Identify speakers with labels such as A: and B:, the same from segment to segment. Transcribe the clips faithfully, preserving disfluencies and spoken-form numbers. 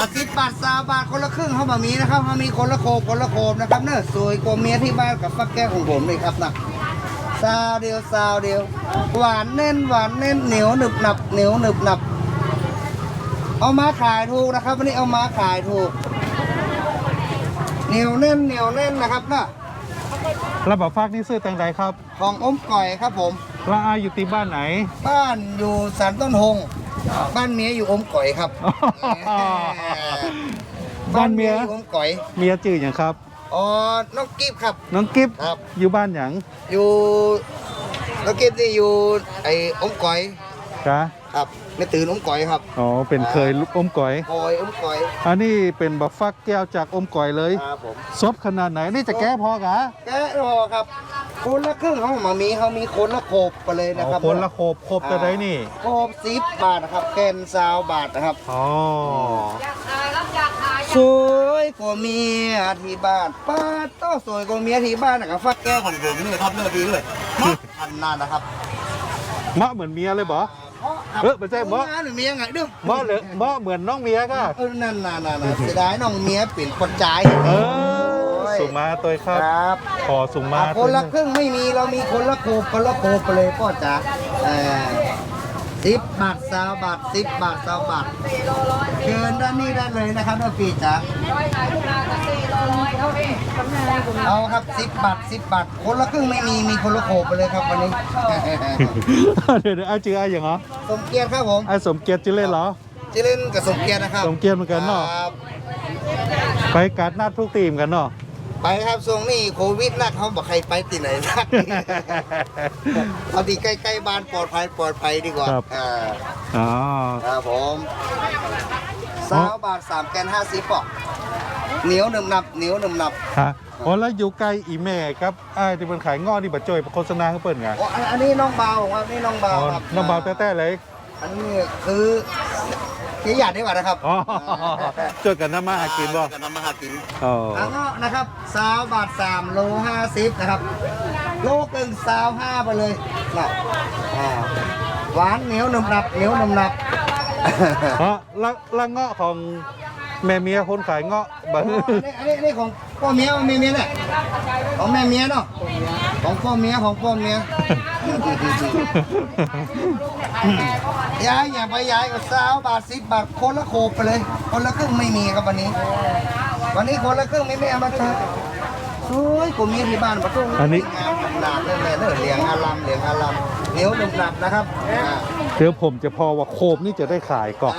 A: สิบบาทสามบาทคนละครึ่งเขาแบบนี้นะครับเขามีคนละโคบคนละโคบนะครับเนอะสวยกว่าเมียที่บ้านกับฟักแก้วของผมเลยครับนะซาวเดียวซาวเดียวหวานแน่นหวานแน่นเหนียวหนึบหนับเหนียวหนึบหนับเอามาขายถูกนะครับวันนี้เอามาขายถูกเหนียวแน่นเหนียวแน่นนะครับนะ
B: ระบบฟักนี่ซื้อแตงใดครับ
A: ของอมก่อยครับผม
B: ละอาอยู่ที่บ้านไหน
A: บ้านอยู่สันต้นหงบ้านเมียอยู่อมก่อยครับ
B: บ้านเมีย
A: อยู่อมก่อย
B: เมียจื่ออย่างครับ
A: อ๋อน้องกิฟครับ
B: น้องกิฟ
A: ครับ
B: อยู่บ้านอย่าง
A: อยู่น้องกิฟนี่อยู่ไอ้อมก่อย
B: กะ
A: ครับไม่ตื่นอมก่อยครับ
B: อ๋อเป็นเคยลูกอมก๋อย
A: คอยอมก่อย
B: อันนี้เป็นบักฟักแก้วจากอมก๋อยเลย
A: ครับผม
B: ซบขนาดไหนนี่จะแก้พอกะ
A: แกะรอครับคนละครึ่งเขามามีเขามีคนละโคบไปเลยนะครับ
B: คนละโคบโคบตัวใดนี่
A: โคบสิบบาทนะครับแกนซาวบาทนะครับ
B: อ๋อ
A: สวยกว่าเมียที่บ้านป้าต้อสวยกว่าเมียที่บ้านนะครับฟักแก้วของผมนี่ครับเลือกดีเลยมาอันนั้นนะครับ
B: มะเหมือนเมียเลยบ่ เออไม่ใช่บ่
A: งานหรือเมียไงเด้อ
B: มะเหลือมะเหมือนน้องเมียก็
A: เออนั่นน่ะน่ะน่ะเสียดายน้องเมียเปลี่ยนคนใจาย
B: เออสุมาตัวครับ
A: ครับ
B: ขอสุมา
A: อ่ะคนละครึ่งไม่มีเรามีคนละโคบคนละโคบไปเลยพ่อจ๋าเออสิบบาทสามบาทสิบบาทสามบาทเชิญด้านนี้ได้เลยนะครับน้องปีจ๋าเอาครับสิบบาทสิบบาทคนละครึ่งไม่มีมีคนละโคบไปเลยครับวันนี้
B: เดี๋ยวเดี๋ยวไอ้ชื่อไอ้อย่างเหรอ
A: สมเกียรติครับผม
B: ไอ้สมเกียรติชื่อเล่นเหรอ
A: จะเล่นกับสมเกียรตินะครับ
B: สมเกียรติเหมือนกันเนาะ
A: ครับ
B: ไปการนัดทุกทีมกันเนาะ
A: ไปครับทรงนี่โควิดนักเขาบอกใครไปที่ไหนนัก เอาที่ใกล้ๆบ้านปลอดภัยปลอดภัยดีกว่าอ่า
B: อ๋อ
A: ครับผมสาวบาทสามแกนห้าสิบปอกเหนียวหนึ่งนับเหนียวหนึ่งนับ
B: ฮะอ๋อแล้วอยู่ใกล้อีแม่ครับไอ้ที่เป็นขายงอนี่บัดจอยโฆษณาเขาเปิดไง
A: โอ้อันอันนี้น้องเบาครับนี่น้องเบา
B: อ๋อ
A: ครับ
B: น้องเบาแต้ๆเลย
A: อันนี้คือเจ๊หยาดดีกว่านะครับ
B: อ๋อจดกันน้ำมาหากินบ่
A: กับน้ำมาหากิน
B: อ๋อ
A: อันก็นะครับสาวบาทสามโลห้าสิบนะครับ โลกึ่งสาวห้าไปเลยนะอ่าหวานเหนียวหนุ่มหนับเหนียวหนุ่มหนับ
B: อ๋อแล้วแล้วเงาะของแม่เมียคนขายเงาะบั
A: อันนี้อันนี้อันนี้ของพ่อเมียของแม่เมียเนี่ยของแม่เมียเนาะของพ่อเมียของพ่อเมีย ย้ายอย่าไปย้ายกับสาวบาทสิบบาทคนละโคบไปเลย คนละครึ่งไม่มีครับวันนี้ วันนี้คนละครึ่งไม่ไม่เอามาเจอสวยกูมีที่บ้านประตู
B: อันนี้
A: งามหนาดเลยแม่เนอะเหลียงอารัมเหลียงอารัมเหนียวหนุบหนับนะครับอ่า
B: เดี๋ยวผมจะพอว่าโคมนี่จะได้ขายก่อน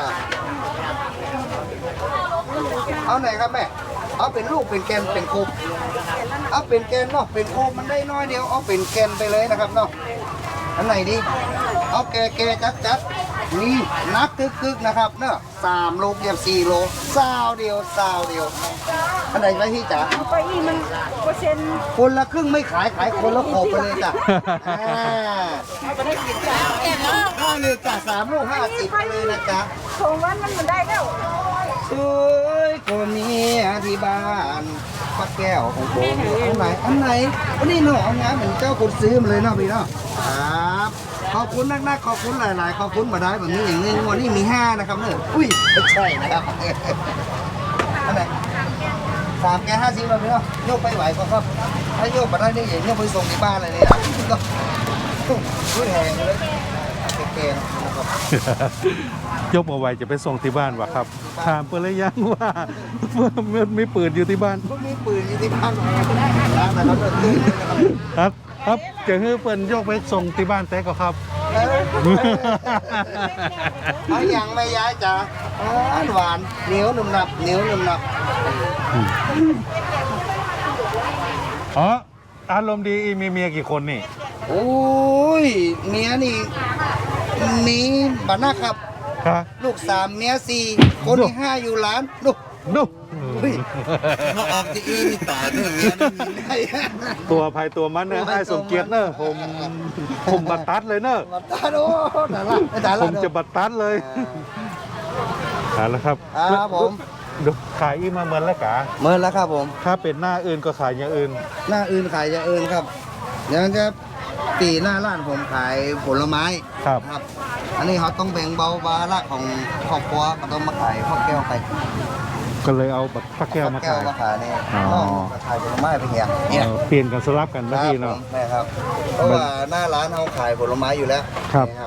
A: เอาไหนครับแม่เอาเป็นลูกเป็นแกนเป็นโคบเอาเป็นแกนเนาะเป็นโคบมันได้น้อยเดียวเอาเป็นแกนไปเลยนะครับเนาะอันไหนดีเอาแกแกจัดจัดนี่นับคึกๆนะครับเนาะสามโลเกียบสี่โลซาวเดียวซาวเดียวอันไหนไว้ที่จ๋า
C: ไปอีมันเปอร์เซ็นต์
A: คนละครึ่งไม่ขายขายคนละโขบไปเลยจ้ะอ่า
C: จะได้กินจ้าแก่เนาะ
A: ห้าเลยจ้ะสามลูกห้าสิบไปเลยนะจ๊ะ
C: สองวันมันมันได้แล้ว
A: สวยกว่าเมียที่บ้านป้าแก้วของผมอันไหนอันไหนอันนี้เนาะเอางานเหมือนเจ้าคนซื้อมาเลยเนาะพี่เนาะครับขอบคุณนักๆขอบคุณหลาย ๆ ขอบคุณมาได้แบบนี้อย่างหนึงวันนี้มีห้านะครับเนอะอุ้ยไม่ใช่นะครับ อันไหนสามแกห้าสิบมาพี่เนาะโยกไปไหวก็ครับถ้าโยกมาได้นี่อย่างโยกไปส่งที่บ้านเลยเนี่ยนะก็อุ้ยแหงเลยเก่งๆนะครับ
B: ยกมาไว้จะไปส่งที่บ้านวะครับถามเพื่อนเลยยังว่ามันไม่ปืนอยู่ที่บ้าน
A: พวกนี้ปืนอยู่ที่บ้านร้านนะครับเลิกตื้นเลยนะครับ
B: ครับครับจะให้เพื่อนยกไปส่งที่บ้านแต่ก็ครับ
A: เออเอาอย่างไม่ย้ายจ้ะหวานหวานเหนียวหนุ่มหนับเหนียวหนุ่มหนับ
B: อ๋ออารมณ์ดีอีมีเมียกี่คนนี่
A: โอ้ยเมียนี่มีบ้านนะครับ
B: ครับ
A: ลูกสามเมียสี่คนที่ห้าอยู่ร้านลูก
B: ดู
A: เฮ้ยเขาออกที่อื่นนี่ตายเนอะเมียนี่มีได้
B: ตัวภัยตัวมันเนอะไอ้สมเกียรติเนอะผมผมบัตรตัดเลยเนอะ
A: มาตาโอ้ตาละตาละ
B: ผมจะบัตรตัดเลยเอาละครับ
A: ครับผม
B: ดูขายอีมาเหมือนแล้วกะ
A: เมื่อแล้วครับผม
B: ถ้าเป็นหน้าอื่นก็ขายอย่างอื่น
A: หน้าอื่นขายอย่างอื่นครับอย่างจะปีหน้าร้านผมขายผลไม้
B: ครับ
A: ครับอันนี้เขาต้องแบ่งเบาภาระของครอบครัวก็ต้องมาขายข้าวแก้วไป
B: ก็เลยเอาบักฟักแก้วมา
A: แก้
B: ขา
A: วย มาขายนี่
B: อ๋อ
A: น้องมาขายผลไม้ไปเฮีย
B: เอ
A: เนี่ย
B: อเปลี่ยนกันสลับกันนะพี่เนาะ
A: แม่ครับเพราะว่าหน้าร้านเขาขายผลไม้อยู่แล้ว
B: ครับ
A: นี่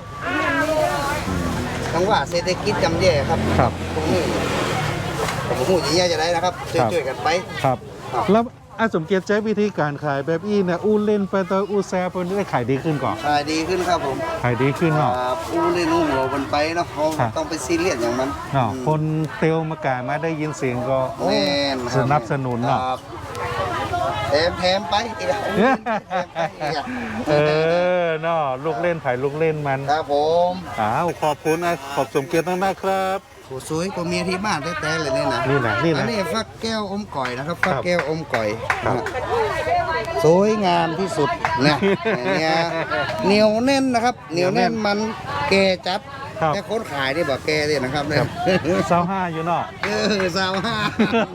A: ทั้งว่าเศรษฐกิจจำแย่ครับ
B: ครับ
A: ตรงนี้ผมพูดอย่างนี้จะได้นะครับช่วยๆกันไป
B: ครับ
A: ครับ
B: แล้วอาสมเกียรติใช้วิธีการขายแบบอี้เนี่ยอู้เล่นไปต่ออู้แซ่ไปได้ขายดีขึ้นก่อน
A: ขายดีขึ้นครับผม
B: ขายดีขึ้นเนาะ
A: ครับอู้เล่นอู้หัวบนไปเนาะเขา
B: ครับ
A: ต้องไปซีเรียสอย่างมัน
B: เนาะคนเตียวมากายมาได้ยินเสียงก็โอ้
A: แม่นครับ
B: สนับสนุนเนาะ
A: ครับแถมแถมไปอีกอะแถมไปอีกอะ
B: เออเนาะลูกเล่นไผ่ลูกเล่นมัน
A: ครับผม
B: อ้าวขอบคุณนะขอบสมเกียรติมากๆครับ
A: โหสวยกว่าเมียที่บ้านแท้ๆเลยเนี่ยนะ
B: นี่นะนี่
A: อั
B: นะ
A: นนี้ฟักแก้วอมก่อยนะครับฟัก
B: ครับ
A: แก้วอมก่อย
B: ครับ
A: นะสวยงามที่สุดนะเนี่ยเหนียวแน่นนะครับเหนียวแน่นมันแก่จัด
B: ครับ
A: แต่คนขายนี่บอกแก่เลยนะครับเนี่ย
B: เศร้าห้าอยู่เนาะ
A: เออสาวห้า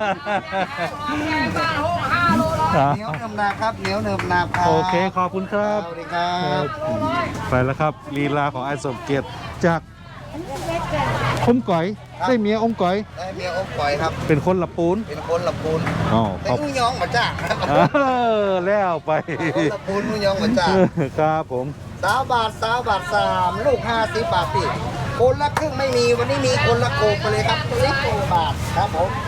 B: อ่ะ
A: เหนียวเนิบนาครับเหนียวเนิบนาครับ
B: โอเคขอบคุณครับ
A: สวัสดีครับ
B: ไปแล้วครับลีลาของไอ้สมเกียรติจากอมก๋อยได้เมียอมก๋อย
A: ได้เมียอมก่อยครับ
B: เป็นคนละปูน
A: เป็นคนละปูน
B: อ๋อ
A: แต่
B: ขอบ
A: อุ้งยองมาจ้างครับ
B: เออแล้วไป
A: คนละปูนอุ้งยองมาจ้าง
B: ครับผม
A: สาวบาทสาวบาทสามลูกห้าสิบบาทพี่คนละครึ่งไม่มีวันนี้มีคนละโกบไปเลยครับสิบโกบาทครับผม